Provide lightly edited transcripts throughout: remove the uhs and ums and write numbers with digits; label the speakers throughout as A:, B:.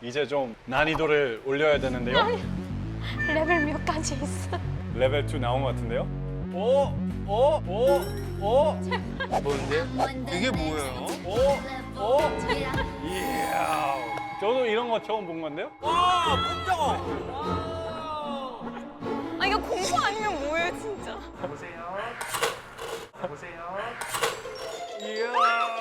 A: 이제 좀 난이도를 올려야 되는데요.
B: 레벨 몇 가지 있어?
A: 레벨 2 나온 것 같은데요. 오!
C: 뭔데? 이게 뭐예요?
A: 오! 이야. 저도 이런 거 처음 본 건데요.
C: 와, 문정어.
B: 아 이거 공부 아니면 뭐예요 진짜?
A: 이야.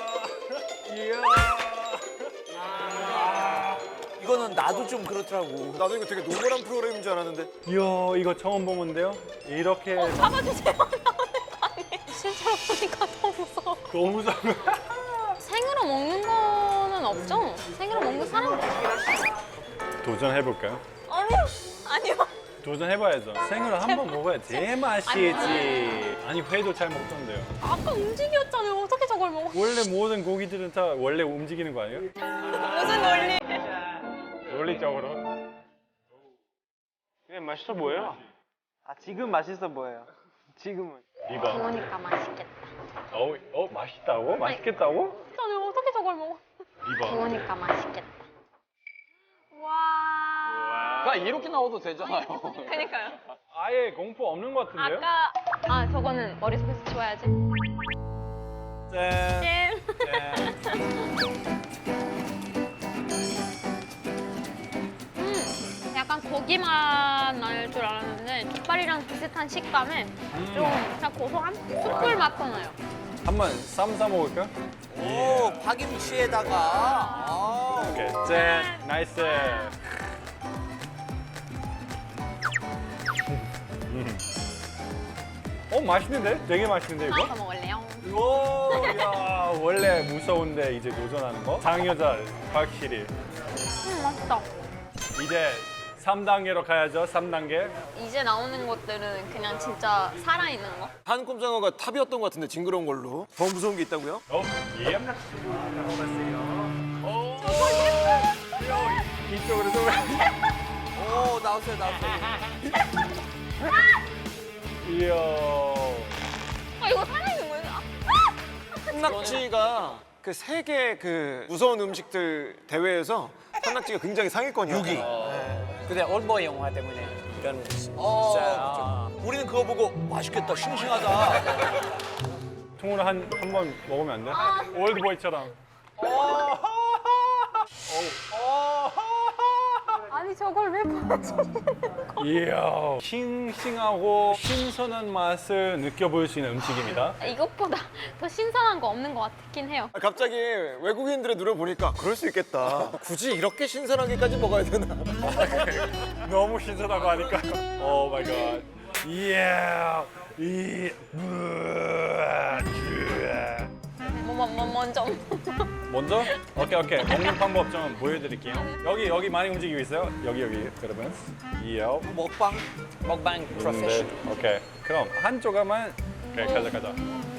C: 이거는 나도 좀 그렇더라고.
D: 나도 이거 되게 노멀한 프로그램인 줄 알았는데.
A: 이야, 이거 처음 본 건데요. 이렇게
B: 잡아주세요. 나오는 거 아니에요? 실제로 보니까 더 무서워.
A: 너무 무서워.
B: 생으로 먹는 거는 없죠? 생으로 먹는 사람?
A: 도전해 볼까요?
B: 아니요.
A: 도전해봐야죠. 생으로 한 번 먹어야 제 맛이지. 아니 회도 잘 먹던데요.
B: 아까 움직였잖아요. 어떻게 저걸 먹어?
A: 원래 모든 고기들은 다 원래 움직이는 거 아니에요?
B: 무슨 논리?
A: 논리적으로.
E: 그냥 맛있어 보여요. 아, 지금 맛있어 보여요. 지금은.
A: 이봐.
B: 그러니까 맛있겠다.
A: 맛있다고? 맛있겠다고?
B: 저는 어떻게 저걸 먹어?
A: 이봐.
B: 그러니까 맛있겠다. 와.
E: 아, 이렇게 나와도 되잖아요.
B: 그러니까요.
A: 아예 공포 없는 것 같은데요?
B: 저거는 머릿속에서 지워야지.
A: 짠.
B: 잼. 약간 고기 맛 날 줄 알았는데 족발이랑 비슷한 식감에 좀 그냥 고소한 숯불 맛도 나요.
A: 한번 쌈 싸 먹을까?
C: 오, 파김치에다가. 아.
A: 오케이. 짠. 나이스. 맛있는데? 되게 맛있는데 이거?
B: 더 먹을래요?
A: 오, 야, 원래 무서운데 이제 도전하는 거? 장여자 확실히.
B: 맛있다.
A: 이제 3단계로 가야죠. 3단계.
B: 이제 나오는 것들은 그냥 진짜 살아있는 거.
D: 한 꼼장어가 탑이었던 것 같은데 징그러운 걸로. 더 무서운 게 있다고요?
A: 예. 이쪽으로 좀.
C: 오, 나오세요.
A: 이야.
B: 이거 살아있는 거예요?
D: 산낙지가 그 세계 그 무서운 음식들 대회에서 산낙지가 굉장히 상위권이야. 6위.
F: 근데 올보이 영화 때문에 이런
C: 진짜. 우리는 그거 보고 맛있겠다, 싱싱하다.
A: 통으로 한 번 먹으면 안 돼? 올드보이처럼.
B: 아니 저걸 왜 보여주는 거?
A: 이야. 싱싱하고 신선한 맛을 느껴볼 수 있는 음식입니다.
B: 이것보다 더 신선한 거 없는 것 같긴 해요.
D: 갑자기 외국인들의 눈을 보니까 그럴 수 있겠다. 굳이 이렇게 신선하게까지 먹어야 되나?
A: 너무 신선하고 하니까. 오 마이 갓. 이야.
B: 먼저.
A: 먼저? 오케이. 먹는 방법 좀 보여드릴게요. 여기 많이 움직이고 있어요. 여기 여러분. 이야.
C: 먹방.
F: 먹방 프로페셔널.
A: 오케이. 그럼 한 조각만. 오케이, 가자.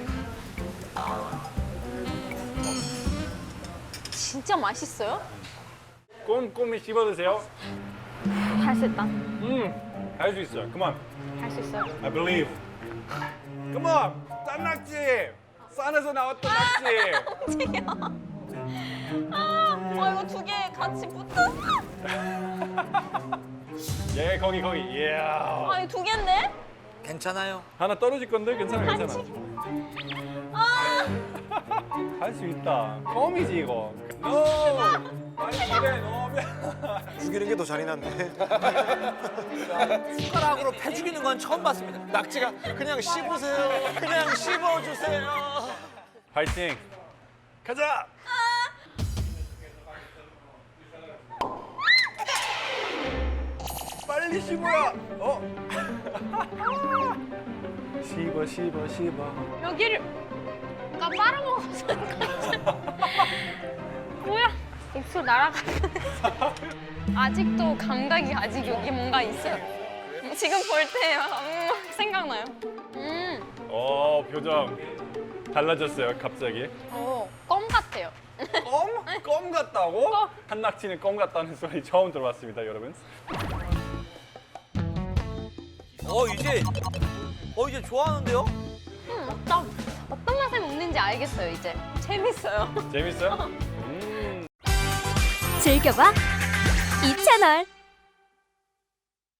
B: 진짜 맛있어요?
A: 꼼꼼히 씹어드세요.
B: 할 수 있다.
A: 할 수 있어요. Come on.
B: 할 수 있어요.
A: I believe. Come on. 싼 낙지. 산에서 나왔던 낙지.
B: 이거 두 개 같이 붙었어.
A: 예, 거기. 이야.
B: 이거 두 개인데?
C: 괜찮아요.
A: 하나 떨어질 건데 괜찮아. 할 수 있다. 껌이지 이거.
D: 죽이는 게 더 잔인한데.
C: 숟가락으로 패 죽이는 건 처음 봤습니다.
D: 낙지가 그냥 씹으세요. 그냥 씹어주세요.
A: 파이팅. 가자. 빨리 씹어야. 씹어.
B: 여기를 빨아먹었어. 뭐야? 입술 날아가는. 아직도 감각이 아직 여기 뭔가 있어요. 지금 볼 때 생각나요.
A: 표정 달라졌어요 갑자기.
B: 껌 같아요.
A: 껌 같다고? 한낙지는 껌 같다는 소리 처음 들어봤습니다, 여러분.
C: 이제 좋아하는데요?
B: 어떤 맛에 먹는지 알겠어요, 이제. 재밌어요.
A: 재밌어요?
G: 즐겨봐 이 채널.